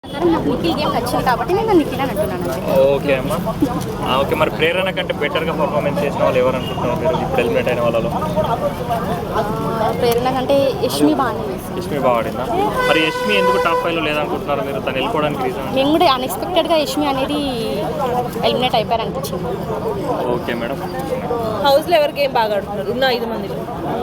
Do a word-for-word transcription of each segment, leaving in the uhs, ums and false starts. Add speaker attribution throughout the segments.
Speaker 1: నాకు నిఖిల్ గేమ్ నచ్చింది కాబట్టి నేను నిఖిల్ అని అంటున్నాను.
Speaker 2: ఓకే అమ్మా, ఓకే. మరి ప్రేరణ కంటే బెటర్గా పర్ఫార్మెన్స్ చేసిన వాళ్ళు ఎవరు అనుకుంటున్నారు మీరు ఇప్పుడు ఎలిమినేట్ అయిన వాళ్ళలో?
Speaker 1: ప్రేరణ కంటే యష్మి బాగానే చేసింది.
Speaker 2: యష్మి బాగా ఆడిందా? మరి యష్మి ఎందుకు టాప్ ఫైవ్లో లేదనుకుంటున్నారు మీరు? తను వెళ్ళిపోవడానికి రీజన్?
Speaker 1: మేము కూడా అన్ఎక్స్పెక్టెడ్గా యష్మి అనేది ఎలిమినేట్ అయిపోయారు అనిపించింది.
Speaker 2: Okay madam.
Speaker 3: హౌస్లో ఎవరు గేమ్ బాగా ఆడుతున్నారు ఉన్న ఐదు మందిలో?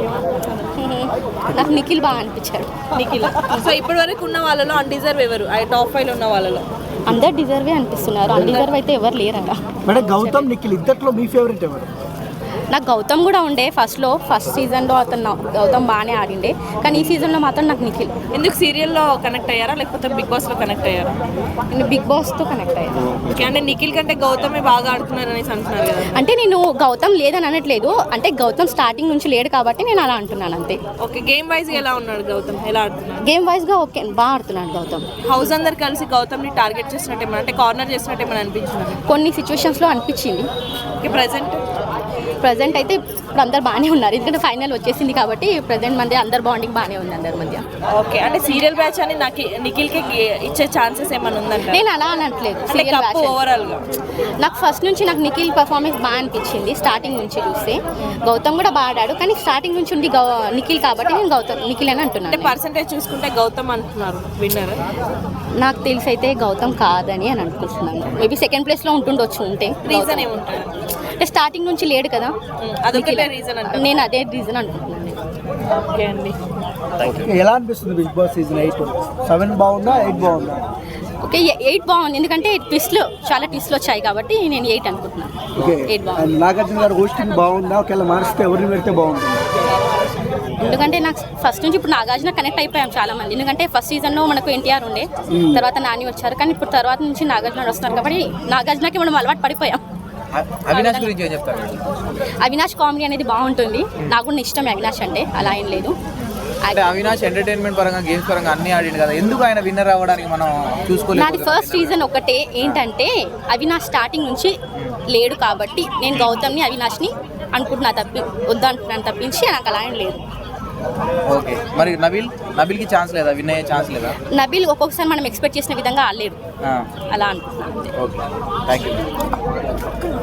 Speaker 1: నాకు నిఖిల్ బాగా అనిపించాడు.
Speaker 3: నిఖిల్. సో ఇప్పటి వరకు ఉన్న వాళ్ళలో అన్డిజర్వ్ ఎవరు? ఆ టాప్ ఫైవ్లో ఉన్న వాళ్ళలో
Speaker 1: అందరు డిజర్వే అనిపిస్తున్నారు. అన్డిజర్వ్ అయితే ఎవరు లేరట.
Speaker 4: మేడం గౌతమ్ నిఖిల్ ఇద్దట్లో మీ ఫేవరెట్ ఎవరు?
Speaker 1: నాకు గౌతమ్ కూడా ఉండే ఫస్ట్లో, ఫస్ట్ సీజన్లో అతను గౌతమ్ బాగానే ఆడిండే, కానీ ఈ సీజన్లో మాత్రం నాకు నిఖిల్.
Speaker 3: ఎందుకు సీరియల్లో కనెక్ట్ అయ్యారా లేకపోతే బిగ్ బాస్లో కనెక్ట్ అయ్యారా?
Speaker 1: నేను బిగ్ బాస్తో కనెక్ట్ అయ్యాను.
Speaker 3: ఓకే, అంటే నిఖిల్ కంటే గౌతమే బాగా ఆడుతున్నారు అనేసి అంటున్నారు కదా.
Speaker 1: అంటే నేను గౌతమ్ లేదని అనట్లేదు, అంటే గౌతమ్ స్టార్టింగ్ నుంచి లేడు కాబట్టి నేను అలా అంటున్నాను అంతే.
Speaker 3: ఓకే, గేమ్ వైజ్ ఎలా ఉన్నాడు గౌతమ్? ఎలా ఆడుతున్నాడు?
Speaker 1: గేమ్ వైజ్గా ఓకే బాగా ఆడుతున్నాడు గౌతమ్.
Speaker 3: హౌస్ అందరు కలిసి గౌతమ్ని టార్గెట్ చేసినట్టు ఏమైనా, అంటే కార్నర్ చేసినట్టు ఏమైనా అనిపించింది?
Speaker 1: కొన్ని సిచ్యువేషన్స్లో అనిపించింది.
Speaker 3: ఓకే, ప్రజెంట్
Speaker 1: ప్రజెంట్ అయితే ఇప్పుడు అందరు బాగానే ఉన్నారు, ఎందుకంటే ఫైనల్ వచ్చేసింది కాబట్టి ప్రజెంట్ మంది అందరు బాండింగ్ బాగానే ఉంది అందరి మధ్య.
Speaker 3: ఓకే, అంటే సీరియల్ బ్యాచ్ అని నాకు నిఖిల్కి ఇచ్చే ఛాన్సెస్ ఏమైనా ఉందంటే?
Speaker 1: నేను అలా అనట్లేదు. సీరియల్ బ్యాచ్
Speaker 3: ఓవరాల్గా
Speaker 1: నాకు ఫస్ట్ నుంచి నాకు నిఖిల్ పర్ఫార్మెన్స్ బాగా అనిపించింది. స్టార్టింగ్ నుంచి చూస్తే గౌతమ్ కూడా బాగా ఆడాడు, కానీ స్టార్టింగ్ నుంచి ఉంది గౌ నిఖిల్ కాబట్టి నేను గౌతమ్ నిఖిల్ అని అంటున్నాను.
Speaker 3: అంటే పర్సంటేజ్ చూసుకుంటే గౌతమ్ అంటున్నారు విన్నర్.
Speaker 1: నాకు తెలిసి అయితే గౌతమ్ కాదని అని అనుకుంటున్నాను. మేబీ సెకండ్ ప్లేస్లో ఉంటుండొచ్చు. ఉంటే
Speaker 3: రీజన్ ఏముంటుంది?
Speaker 1: అంటే స్టార్టింగ్ నుంచి లేడు కదా,
Speaker 3: అదొకటే రీజన్ అంటే
Speaker 1: నేను అదే రీజన్ అనుకుంటున్నాను.
Speaker 3: ఓకే అండి,
Speaker 4: ఎలా అనిపిస్తుంది big boss season eight? Seven బాగుందా, ఎయిట్ బాగుందా?
Speaker 1: ఓకే, ఎయిట్ బాగుంది, ఎందుకంటే ట్విస్ట్లు చాలా ట్విస్ట్లు వచ్చాయి కాబట్టి నేను ఎయిట్ అనుకుంటున్నాను.
Speaker 4: ఓకే,
Speaker 1: ఎయిట్ బాగుంది.
Speaker 4: నాగార్జున గారు హోస్టింగ్ బాగుందా? ఒకవేళ మారిస్తే ఎవరిని పెడితే బాగుంటుంది?
Speaker 1: ఎందుకంటే నాకు ఫస్ట్ నుంచి ఇప్పుడు నాగార్జున కనెక్ట్ అయిపోయాం చాలా మంది, ఎందుకంటే ఫస్ట్ సీజన్లో మనకు ఎన్టీఆర్ ఉండే, తర్వాత నాని వచ్చారు, కానీ ఇప్పుడు తర్వాత నుంచి నాగార్జున వస్తున్నారు కాబట్టి నాగార్జునకి మనం అలవాటు పడిపోయాం.
Speaker 5: అవినాష్ గురించి ఏం చెప్తారు?
Speaker 1: అవినాష్ కామెడీ అనేది బాగుంటుంది, నాకు కూడా ఇష్టం అవినాష్ అంటే, అలా ఏం లేదు.
Speaker 5: అంటే అవినాష్ ఎంటర్టైన్మెంట్ పరంగా గేమ్స్ పరంగా అన్ని ఆడిండు కదా, ఎందుకు ఆయన విన్నర్ అవ్వడానికి మనం చూసుకోలేదు?
Speaker 1: నాది ఫస్ట్ రీజన్ ఒకటే ఏంటంటే అవినాష్ స్టార్టింగ్ నుంచి లేడు కాబట్టి నేను గౌతమ్ని అవినాష్ని అనుకుంటున్నా, తప్పి వద్దంటున్నాను తప్పించి నాకు అలా ఏం లేదు.
Speaker 5: ఓకే, మరి నబీల్ నబీల్కి ఛాన్స్ లేదా? విన్ అయ్యే ఛాన్స్ లేదా?
Speaker 1: నబీల్ ఒక్కొక్కసారి మనం ఎక్స్పెక్ట్ చేసిన విధంగా ఆడలేడు,
Speaker 5: ఆ,
Speaker 1: అలా అనుకుంటున్నాను.
Speaker 5: Okay, thank you.